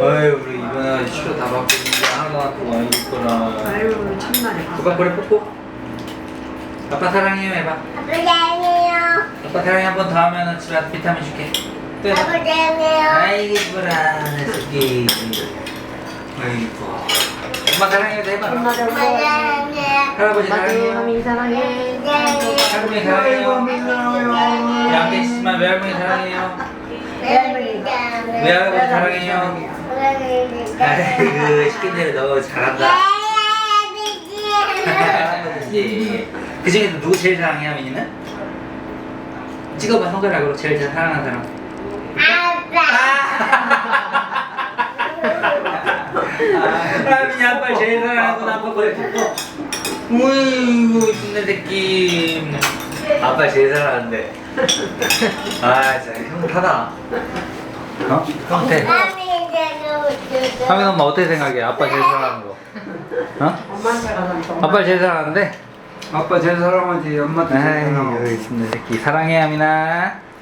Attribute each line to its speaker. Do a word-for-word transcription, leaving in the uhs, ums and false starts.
Speaker 1: 아유 우리 이번에 치료 다 받고 있는데 하나도 안 아프고 안 있구나.
Speaker 2: 아유 참나네.
Speaker 1: 아빠 그래 뽀뽀. 아빠 사랑해요 해봐.
Speaker 3: 아빠 사랑해요.
Speaker 1: 아빠 사랑해 한 번 더 하면은 집에 와서 비타민 줄게. 또 해봐.
Speaker 3: 아빠 사랑해요.
Speaker 1: 아이고 이뻐라 내 새끼. 아이고. 엄마 사랑해도 해봐.
Speaker 2: 엄마도
Speaker 3: 아빠 사랑해요.
Speaker 1: 할아버지
Speaker 2: 엄마도
Speaker 1: 사랑해요.
Speaker 2: 하민 사랑해.
Speaker 1: 할머니 사랑해요. 양 계시지만 외할머니 사랑해요. 외할아버지 사랑해요. 아이고 시킨대로 너 잘한다. 할아버지. 그 중에서 누구 제일 사랑해 하민이는? 찍어봐 손가락으로 제일 잘 사랑하는 사람. 하민이 아빠 제일 사랑하구나. 아빠 그래 뽀뽀. 우이구 힘내 새끼. 아빠 제일 사랑하는데. 아 진짜 형하다. 어? 형태. 하민 엄마 어떻게 생각해? 아빠 제일 사랑하는 거. 어?
Speaker 2: 엄마한테 가서
Speaker 1: 아빠 제일 사랑하는데?
Speaker 4: 아빠 제일 사랑하지 엄마 제일
Speaker 1: 아이고
Speaker 4: 사랑하고
Speaker 1: 힘내 새끼. 사랑해 하민아.